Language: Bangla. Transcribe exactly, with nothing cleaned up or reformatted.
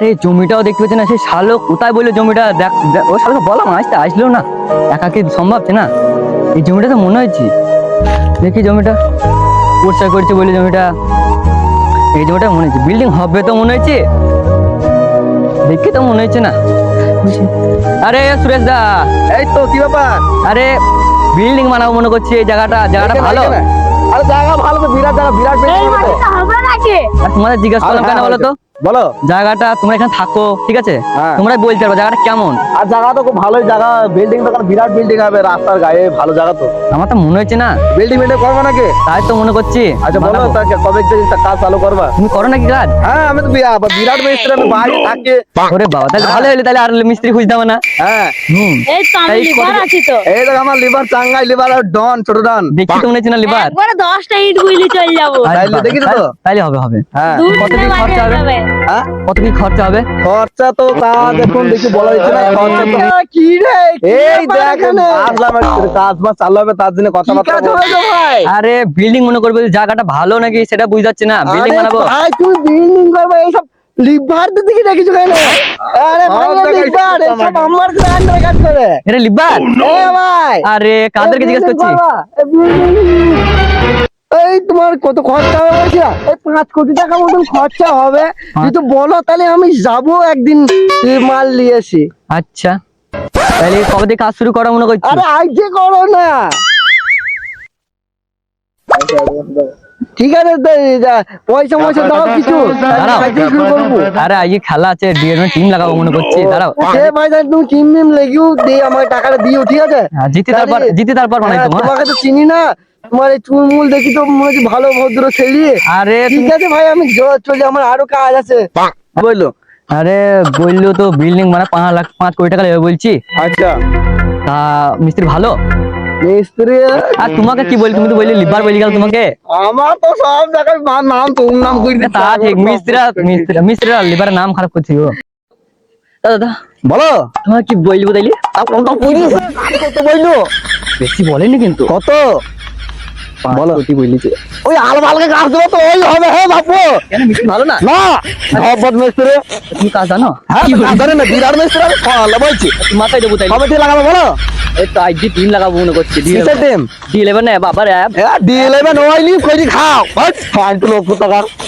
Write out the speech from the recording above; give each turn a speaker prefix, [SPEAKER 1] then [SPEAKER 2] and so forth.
[SPEAKER 1] আরে জমিটাও দেখতে পাচ্ছি না, সেই শালো কোথায় বললো জমিটা দেখ দেখ- ও শালোকে বললাম আসতে আসলো না, একা কি সম্ভব আছে না? এই জমিটা তো মনে হচ্ছে, দেখি জমিটা পরিষ্কার করছে বলে জমিটা, এই জমিটা মনে হচ্ছে বিল্ডিং হবে তো মনে হচ্ছে, দেখে তো মনে হচ্ছে না। আরে সুরেশ দা,
[SPEAKER 2] এই তো কি ব্যাপার?
[SPEAKER 1] আরে বিল্ডিং বানাবো মনে করছি, এই জায়গাটা জায়গাটা ভালো।
[SPEAKER 2] আরে জায়গা ভালো তো, বিরাট জায়গা, বিরাট
[SPEAKER 3] এই
[SPEAKER 2] building হবে তো।
[SPEAKER 3] মাটিটা হবে নাকি?
[SPEAKER 1] আর তোমাদের জিজ্ঞাসা করলাম কেন বলো তো,
[SPEAKER 2] বলো।
[SPEAKER 1] জায়গাটা তোমরা এখানে থাকো ঠিক আছে,
[SPEAKER 2] হ্যাঁ।
[SPEAKER 1] তোমরা বলতে পারবো জায়গাটা কেমন।
[SPEAKER 2] আর জায়গা তো খুব ভালোই জায়গা, বিল্ডিং তো কোনো বিরাট বিল্ডিং হবে রাস্তার গায়ে, ভালো জায়গা তো।
[SPEAKER 1] আমার তো মনে হচ্ছে না,
[SPEAKER 2] বিল্ডিং বিল্ডিং করবো নাকি?
[SPEAKER 1] তাই তো মনে করছি।
[SPEAKER 2] আচ্ছা বলো
[SPEAKER 1] বানাবো।
[SPEAKER 2] তাকে কবে থেকে কাজ চালু করবা?
[SPEAKER 1] তুমি করো নাকি কাজ?
[SPEAKER 2] হ্যাঁ আমি তো বিয়া- বিরাট মিস্ত্রি, আমি বাইরে থাকি।
[SPEAKER 1] ওরে বাবা, তাহলে ভালো হলে তাহলে আর মিস্ত্রি খুঁজতে হবে না।
[SPEAKER 2] হ্যাঁ
[SPEAKER 1] হুম,
[SPEAKER 3] এই তো আমি
[SPEAKER 1] তাই
[SPEAKER 3] লিভার
[SPEAKER 1] কত-
[SPEAKER 3] আছি তো।
[SPEAKER 2] এই দেখ আমার লিভার চাঙ্গাই, লিভার আর ডন, ছোট ডন।
[SPEAKER 1] দেখি তো মনে হচ্ছে না লিবার।
[SPEAKER 3] একবারে দশটা ইট গুলি চলে যাবো।
[SPEAKER 2] তাইলে দেখিস তো?
[SPEAKER 1] তাইলে হবে হবে।
[SPEAKER 2] হ্যাঁ
[SPEAKER 3] দুই
[SPEAKER 1] কত
[SPEAKER 3] দিনে
[SPEAKER 1] কি
[SPEAKER 3] বাড়ি
[SPEAKER 1] খরচা
[SPEAKER 3] হয়ে
[SPEAKER 1] হবে?
[SPEAKER 3] যাবে।
[SPEAKER 2] হ্যাঁ
[SPEAKER 1] কত কি খরচা হবে?
[SPEAKER 2] খরচা তো তা দেখুন দেখি বলা যাচ্ছে না, খরচা তো
[SPEAKER 4] কি রে
[SPEAKER 2] এই দেখেন আসলাম একটু, কাজ বাজ চালু হবে তার জন্য কথাবার্তা বলবো।
[SPEAKER 4] ভাই
[SPEAKER 1] আরে বিল্ডিং মনে করবে যে জায়গাটা ভালো নাকি সেটা বুঝতে পারছি না, বিল্ডিং
[SPEAKER 4] আরে
[SPEAKER 1] বানাবো।
[SPEAKER 4] ভাই তুমি বিল্ডিং করবে এইসব লিভার তো দেখি রেখেছো কেন? আরে ভাই
[SPEAKER 2] সব জায়গায়
[SPEAKER 4] লিভার
[SPEAKER 2] সব
[SPEAKER 4] এইসব
[SPEAKER 2] আমার।
[SPEAKER 4] আমার গ্রান্ডার কাজ করে।
[SPEAKER 1] এটা লিবার?
[SPEAKER 4] এ ভাই
[SPEAKER 1] আরে কাদেরকে জিজ্ঞেস করছি?
[SPEAKER 4] এই তোমার কত খরচা হবে বলছি না? এই পাঁচ কোটি টাকা মতন খরচা হবে। যদি বলো তাহলে আমি যাবো একদিন এই মাল নিয়ে আসি।
[SPEAKER 1] আচ্ছা, তাহলে কবে থেকে কাজ শুরু করা মনে করছি?
[SPEAKER 4] আরে আজকে করো না, ঠিক আছে তো, এই যা, পয়সা পয়সা দাও কিছু,
[SPEAKER 1] দাঁড়াও।
[SPEAKER 4] আজকে শুরু করবো।
[SPEAKER 1] আরে আজকে খেলা আছে, ডিএনএ টিম লাগাবো মনে করছি, দাঁড়াও।
[SPEAKER 4] সে ভাই তাহলে তুমি চিম মিম লেগেও দিয়ে আমার টাকাটা দিও, ঠিক আছে?
[SPEAKER 1] হ্যাঁ, জিতে তারপর
[SPEAKER 4] তাহলে-
[SPEAKER 1] জিতে তারপর বানাই
[SPEAKER 4] হ্যাঁ,
[SPEAKER 1] তোমার।
[SPEAKER 4] তোমাকে তো চিনি না, তোমার এই চুলমুল দেখি তো মনে হচ্ছে ভালো ভদ্র ছেলে।
[SPEAKER 1] আরে
[SPEAKER 4] ঠিক
[SPEAKER 1] তুমি-
[SPEAKER 4] আছে ভাই আমি জ- চলি, আমার আরো কাজ আছে।
[SPEAKER 2] বললো
[SPEAKER 1] আরে বললো তো বিল্ডিং মানে পাঁচ লাখ পাঁচ কোটি টাকা লেগে বলছি,
[SPEAKER 2] আচ্ছা
[SPEAKER 1] তা মিস্ত্রি ভালো।
[SPEAKER 4] মিস্ত্রি
[SPEAKER 1] আর তোমাকে কি বলি, তুমি তো বললে লিভার বলি গেল তোমাকে।
[SPEAKER 2] আমার তো সব জায়গায় মা- নাম তোর নাম কই দিচ্ছে।
[SPEAKER 1] তা ঠিক, মিস্ত্রিরা মিস্ত্রিরা মিস্ত্রিরা লিভারের নাম খারাপ করছি ও। দাদা
[SPEAKER 2] বলো
[SPEAKER 1] তোমার কি বলবো তাইলে?
[SPEAKER 2] আর কোনটা কই দিছে? কত বললো?
[SPEAKER 1] বেশি বলেনি কিন্তু,
[SPEAKER 2] কত?
[SPEAKER 1] পাঁচ
[SPEAKER 2] বলো।
[SPEAKER 1] কোটি বলেছে।
[SPEAKER 2] ওই আলবালকে কাজ দেবো তো ওই হবে, হ্যাঁ বাপু।
[SPEAKER 1] কেন মিস্ত্রি ভালো না?
[SPEAKER 2] না ধপদ মিস্ত্রি,
[SPEAKER 1] তুমি কাজ জানো?
[SPEAKER 2] হ্যাঁ কাজ জানে না, বিরাট মিস্ত্রি আমি ফলা বলছি।
[SPEAKER 1] মাথায় দেবো তাই।
[SPEAKER 2] কবে থেকে লাগাবো বলো?
[SPEAKER 1] এই তো আজকে টিম লাগাবো মনে করছি।
[SPEAKER 2] কিসের টিম?
[SPEAKER 1] ডি ইলেভেন বাবার অ্যাপ।
[SPEAKER 2] হ্যাঁ ডি ইলেভেন ওয়াইলি কই খাও, বাট ফাইন তো লোক টাকা।